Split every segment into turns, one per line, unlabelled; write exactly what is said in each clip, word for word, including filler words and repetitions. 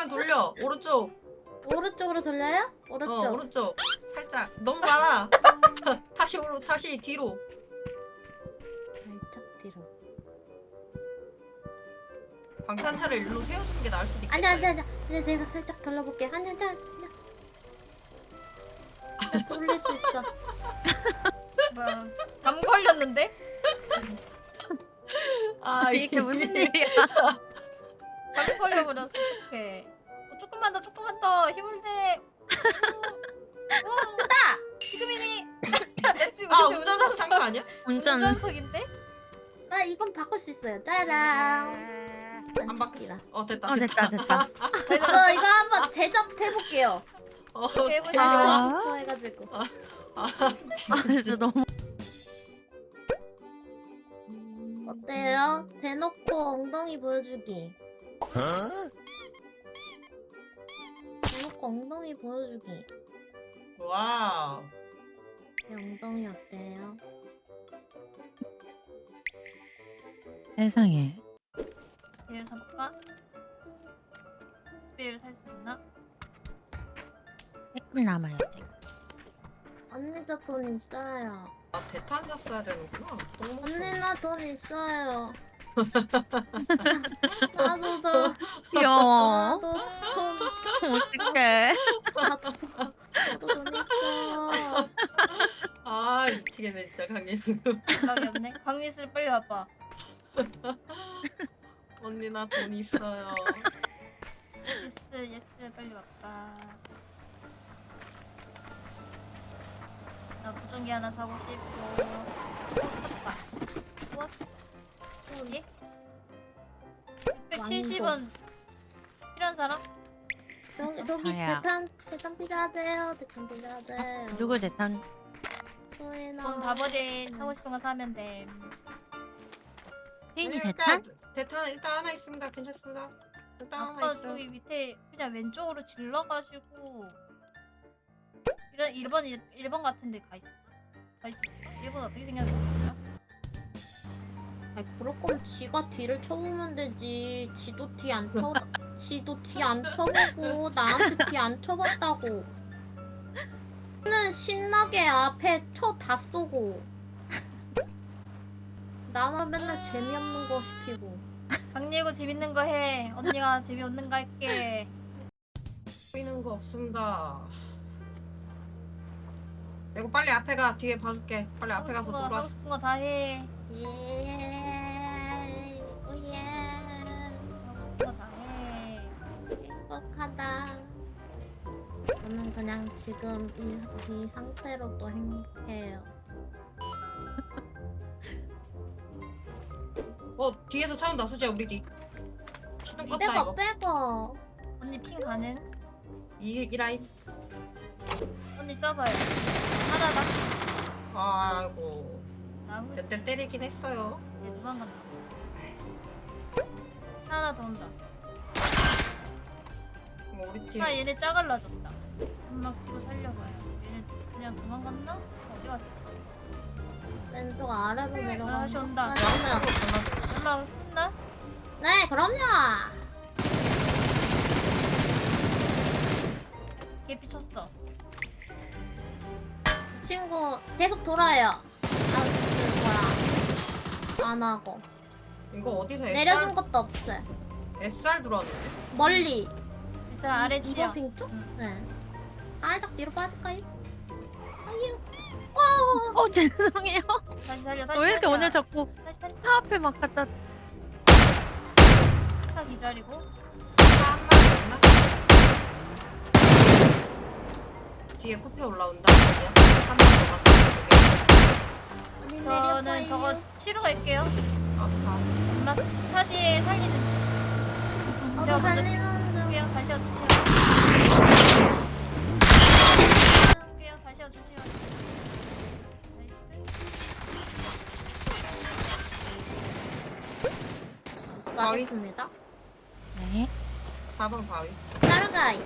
돌려. 오른쪽.
오른쪽으로 돌려요? 오른쪽.
어 오른쪽. 살짝. 너무 많아. 다시 오로 다시 뒤로.
살짝 뒤로.
광탄차를 일로 세워주는 게 나을 수도 있겠다.
아니 아니 아니. 이제 내가 살짝 돌려볼게. 아니 아니 아니. 돌릴 수 있어.
뭐야? 감 걸렸는데?
아
이게 무슨 일이야?
감 걸려버렸어. 어떡해. 어, 조금만 더, 조금만 더 힘을 내. 오,
나.
지금이니. 지금
아
우리
운전석 산거 아니야?
운전.
운전석인데?
아 이건 바꿀 수 있어요. 짜란.
안 바뀌었어. 어 됐다.
어 됐다 됐다.
저 이거 한번 제접해 볼게요.
어,
오케이,
오케이.
아.
좋아해가지고.
아,
아 진짜 너무.
어때요? 대놓고 엉덩이 보여주기. 대놓고 엉덩이 보여주기.
와우.
제 엉덩이 어때요?
세상에.
얘를 사볼까? 얘를 살 수 있나?
댓글 남아요 지금.
언니 저 돈 있어요.
아 대탄 샀어야 되는구나. 너무
언니 나 돈 있어요. 나도 돈.
귀여워.
나도 돈.
어떡해.
나도 돈. 나도 돈 있어.
아 미치겠네 진짜 강림.
연락이 없네. 강민수 빨리 와봐.
언니 나 돈 있어요.
예스 예스 빨리 와봐. 나 무전기 하나 사고 싶고. 어 샀다. 좋았어. 여기? 육백칠십 원 필요한 사람?
저기 저기
아야.
대탄 대탄 필요하대요. 대탄 필요하대요.
누구 대탄?
소희나.
돈 다 버린 사고 싶은 거 사면 돼.
혜인이
네,
대탄?
일단 대탄 일단 하나 있습니다. 괜찮습니다. 일단 하나
아까
있어.
저기 밑에 그냥 왼쪽으로 질러가지고 이런 일 번 일 번 같은데 가 있어. 가 있어. 일 번 어떻게 생겼는지
아니 그럴 거면 지가 뒤를 쳐보면 되지. 지도 뒤 안 쳐. 지도 뒤 안 쳐보고 나한테 뒤 안 쳐봤다고. 는 신나게 앞에 쳐 다 쏘고. 나만 맨날 재미없는 거 시키고.
강리고 재밌는 거 해. 언니가 재미없는 거 할게.
보이는 거 없습니다. 이거 빨리 앞에 가. 뒤에 봐줄게. 빨리 앞에 가서
하고 싶은 거,
놀아.
하고 싶은 거 다 해.
예. 오예.
하고 싶은 거 다 해.
행복하다. 저는 그냥 지금 이, 이 상태로도 행복해요.
어 뒤에서 차 온다. 수지야 우리 뒤. 시동 껐다
빼고
이거.
빼고.
언니 핑 가는?
이, 이 라인.
언니 써봐요. 하나다.
아이고.
나무.
몇 대 때리긴 했어요.
얘 도망간다. 차 하나 더 온다.
뭐 우리 뒤에.
아 얘네 짜갈라졌다. 연막 치고 살려봐요. 얘네 그냥 도망갔나? 어디 갔지?
왼쪽 아래로
아,
내려가.
다시 온다.
그럼요.
연막 했나?
네, 그럼요.
걔 비쳤어.
이 친구 계속 돌아요. 아, 그 뭐야? 안 하고
이거 어디서
내려준
에스알,
것도 없어요.
에스알 들어왔는데?
멀리.
이 사람 아래 지역.
이번 핑 쪽?
응.
네. 살짝 뒤로 빠질까요? 아유. 와.
어 죄송해요.
다시 살려. 다시
왜 이렇게
살려.
오늘 자꾸
다시 살려.
차 앞에 막 갖다.
차 기다리고.
차한 마리 있나? 뒤에 쿠페 올라온다. 수지야. 한 마리 더 가자.
언니
저는
내려봐요.
저거 치러 갈게요.
아, 아.
엄마 차 뒤에 살리는 중.
저도
제가 먼저
살리는 중.
치울게요. 다시 와주세요. 치울게요. 다시 와주세요. 나이스.
가겠습니다.
네.
사 번 바위.
따라가이.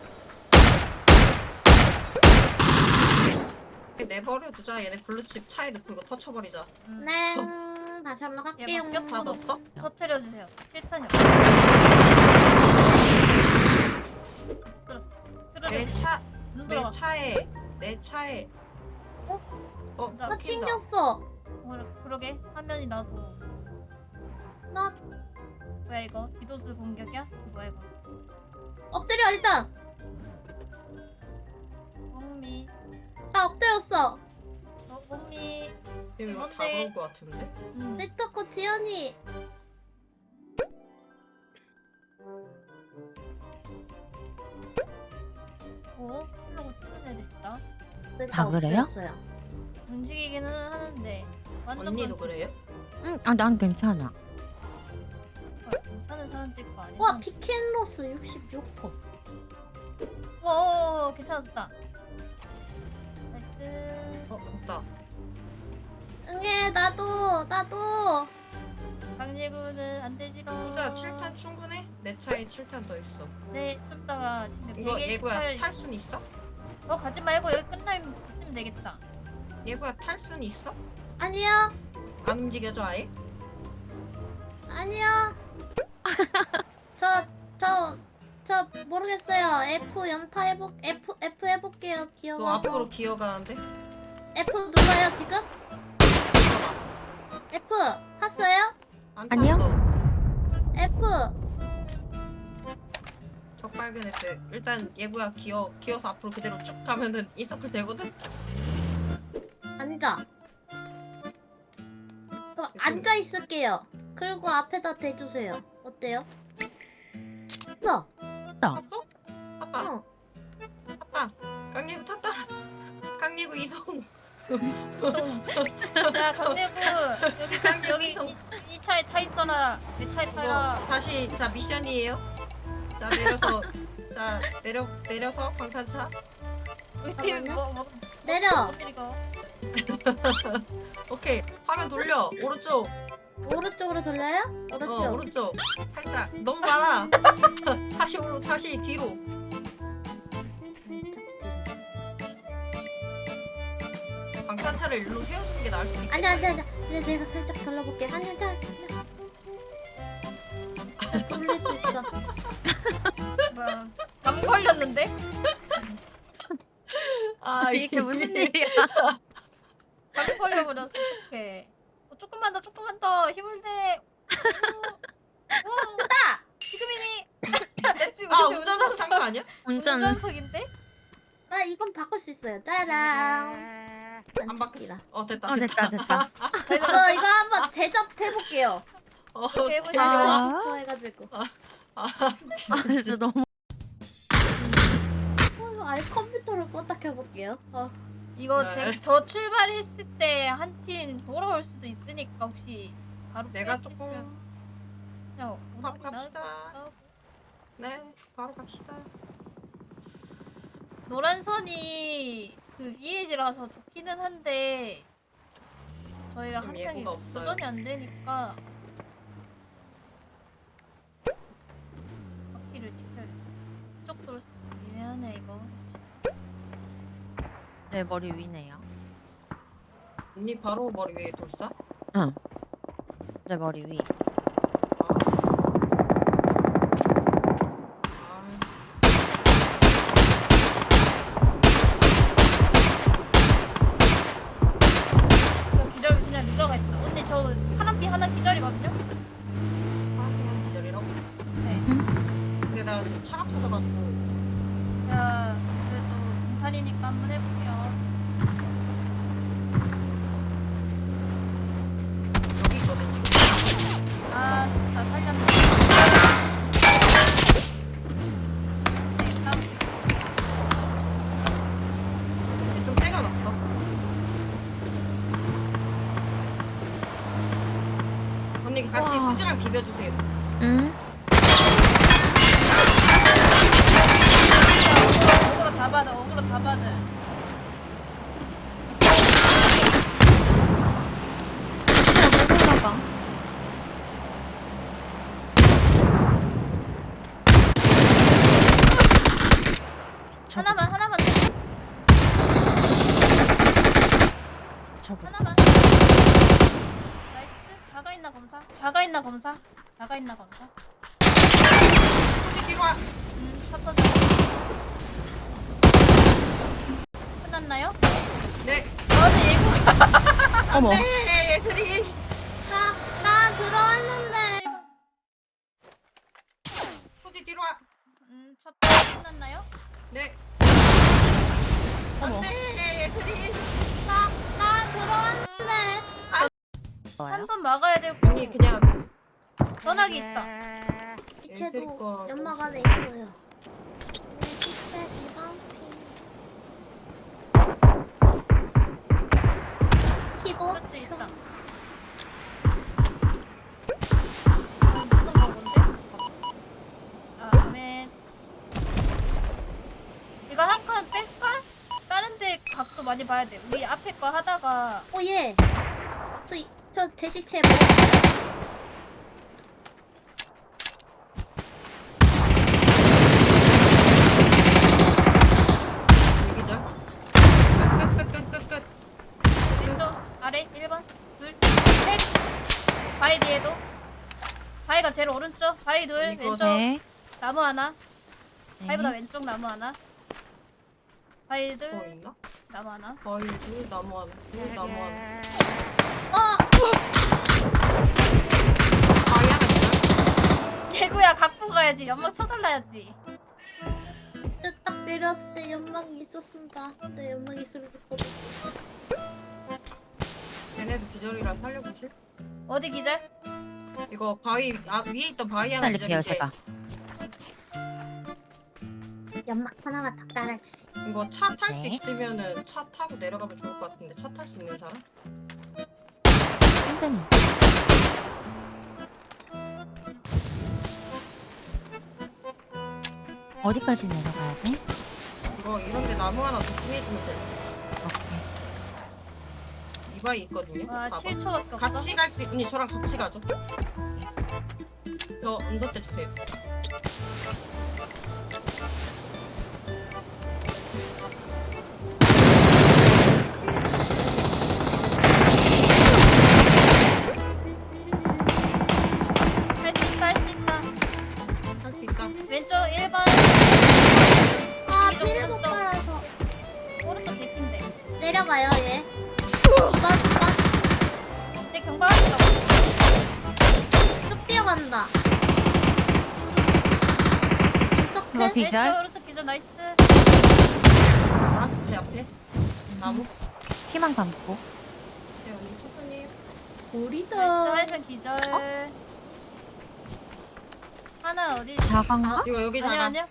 내버려 두자. 얘네 블루칩 차에 넣고 이거 터쳐버리자.
음.
네. 다시 한번 갈게요.
얘 바뀌었어?
다 넣었어?
터트려주세요. 칠 탄이요.
내 차,
눈
내
들어가.
차에, 내 차에.
어?
어,
나
나
튕긴다.
튕겼어.
어, 그러게 화면이 나도.
나
뭐야 이거? 디도스 공격이야? 뭐야 이거?
엎드려 일단.
옥미.
나 엎드렸어.
어, 옥미.
지금 이거 다
뭔데?
그런 거 같은데?
음.
네트워크 지연이.
어? 풀러고 뛰는 애들 있다.
그러니까
다 그래요?
엎드렸어요.
움직이기는 하는데 완전
언니도 그래요?
응, 아, 난 괜찮아.
괜찮은 사람들 거 아니야?
와 피켄로스 육십육 퍼.
어, 괜찮았다. 나이스.
어, 됐다.
응애 나도 나도.
강제구는 안 되지롱.
후자 칠 탄 충분해? 내 차에 칠 탄 더 있어.
네, 좀 이따가 지금
이거 예구야
백십팔.
탈 순 있어?
어, 가지 말고 여기 끝나면 있으면 되겠다.
예구야 탈 순 있어?
아니야
안 움직여져 아예?
아니야. 저 저 저 모르겠어요. F 연타 해볼 F F 해볼게요.
너
기어가서.
앞으로 기어가는데?
F 눌러요 지금? F 탔어요?
안
아니요.
탔어.
F.
적 발견했대. 일단 예구야 기어 기어서 앞으로 그대로 쭉 가면은 이 서클 되거든.
앉아. 그럼 앉아 있을게요. 그리고 앞에다 대주세요. 어때요? 어.
탔어? 아빠,
어.
아빠. 강예구 탔다. 강예구 이성.
야, 강대구 여기 강 여기 이, 이 차에 타 있어라. 내 차에
이거
타라.
다시 자 미션이에요. 자 내려서 자 내려 내려서 방탄차.
우리 팀
잠깐만요.
뭐, 뭐,
내려.
못 때리고.
오케이 화면 돌려 오른쪽.
오른쪽으로 돌려요? 오른쪽.
어 오른쪽. 살짝 너무 많아. 다시 오로 다시 뒤로. 방탄차를 일로 세워주는 게 나을 수 있겠다.
아니 아니 아니. 네, 내가 살짝 돌려볼게. 아니 아니 아니. 돌릴 수 있어.
뭐야? 감 걸렸는데?
아
이게 무슨 일이야?
감 걸려버렸어. 어떡해. 어, 조금만 더, 조금만 더 힘을 내. 오, 오,
나.
지금이니. 지금
아
우리
운전석 상거 아니야?
운전.
운전석인데?
나 이건 바꿀 수 있어요. 짜란.
안 바뀌었어. 어 됐다.
어, 됐다, 됐다.
저 이거 이거 한번 제접해볼게요.
어
오케이, 해보자.
대박.
아, 해가지고.
아
아, 진짜 너무.
어, 아예 컴퓨터를 껐다 켜볼게요. 어.
이거
네.
제, 저 출발했을 때 한 팀 돌아올 수도 있으니까 혹시 바로
내가
뺄수
조금
있으면 그냥
바로
오늘
갑시다.
나가고.
네 바로 갑시다.
노란 선이 그 위에지라서 좋기는 한데 저희가
좀
한 명이
예고가 없어요.
도전이 안 되니까 바퀴를 지켜야겠다. 이쪽 돌 미안해 이거.
내 머리 위네요.
언니 바로 머리 위에 돌사?
응. 내 머리 위.
아.
저 기절 그냥 눌러가 있다. 언니 저 파란빛 하나 기절이거든요?
파란색은 디젤이라고?
네.
근데 나 지금 차가 터져가지고
자, 그래도 공탄이니까 한번 해볼게요.
여기 있거든 지금.
아, 나 살렸네. 네, 다음.
얘좀 때려놨어. 언니 같이
와.
수지랑 비벼주세요.
응?
어그로 다 받아, 어그로 다 받아.
진짜 못 올라가. 저거,
하나만, 하나만,
저거.
하나만. 나이스. 자가 있나 검사? 자가 있나 검사? 자가 있나 검사?
수지 뒤로 와.
음, 첫 번째. 끝났나요?
네.
어제 예고.
어머.
네, 예슬이.
나, 나 들어왔는데.
소지 뒤로 와.
음, 첫 번 끝났나요?
네.
어머.
안돼, 예슬이.
나, 나 들어왔는데.
좋아요.
한 번 막아야 되고.
언니 그냥
전화기 있다.
시체도
예슬이 거.
연막 안에 있어요. 내 시체 이번 피. 십오
그렇지
초.
있다. 아, 무슨 건데? 아, 아멘. 이거 한 칸 뺄까? 다른 데 각도 많이 봐야 돼. 우리 앞에 거 하다가
오 예. 저, 이- 저 제 시체 뭐?
얘기죠. 끝끝끝끝끝.
왼쪽 아래 일 번 둘 셋. 바위 뒤에도. 바위가 제일 오른쪽. 바위 둘
이거
왼쪽
네.
나무 하나.
네.
바위보다 왼쪽 나무 하나. 바위 둘
더 있나?
나무 하나.
바위 둘 나무 하나. 둘 나무 하나.
어!
바위 하나 있나?
대구야 갖고 가야지. 연막 쳐달라야지.
딱 내렸을 때 연막이 있었습니다. 근데 연막이 있을 거든.
얘네도 기절이라 살려보실?
어디 기절?
이거 바위 아 위에 있던 바위 하나
살릴게요
기절인데
제가.
연막 하나만 딱 달아주세요.
이거 차 탈 수
네.
있으면은 차 타고 내려가면 좋을 것 같은데 차 탈 수 있는 사람?
땡땡이. 어디까지 내려가야 돼?
이거 이런데 나무 하나 더 구해주면 돼.
오케이.
이 바위 있거든요.
와
봐봐.
칠 초밖에 없어.
같이 갈 수 있니? 저랑 같이 가죠. 저 운전대 주세요.
할 수 있다 할 수 있다.
할 수 있다.
왼쪽 일 번
아,
이쪽
피를 못
오른쪽.
빨아서.
오른쪽 개핀데.
내려가요, 얘. 이번, 이번.
이제 경박하시다.
쭉 뛰어간다.
뭐
인석해?
비절?
왼쪽 오른쪽 기절 나이스.
아, 제 앞에 나무.
피만 감고.
네, 언니 천천히.
나이스
우리다.
하이fen 기절. 하나 어디?
자강가?
이거 여기
아니야
자가.
아니야.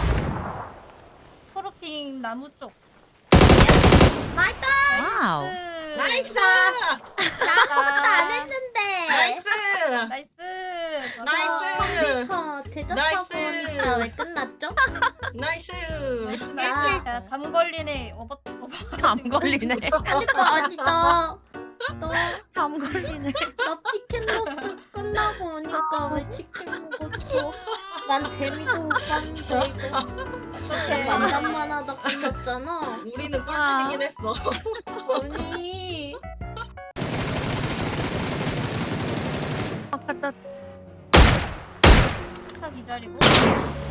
초록핑 나무 쪽.
나이스!
와우.
나이스!
나 아무것도 안 했는데.
나이스!
나이스.
나이스!
컴퓨터 대접하고
나이스!
오니까 왜 끝났죠?
나이스!
나이스. 야, 담 걸리네. 오버 오버.
담 걸리네.
그러니까 아니 나, 너,
담 걸리네.
나 피켄로스 끝나고 오니까 왜 치킨 먹었어? 난 재미도 못 봤는데 이거
어떡해.
만남만 하다 끝났잖아.
우리는 꿀집이긴 했어.
아니
아까 나
차 기절이고.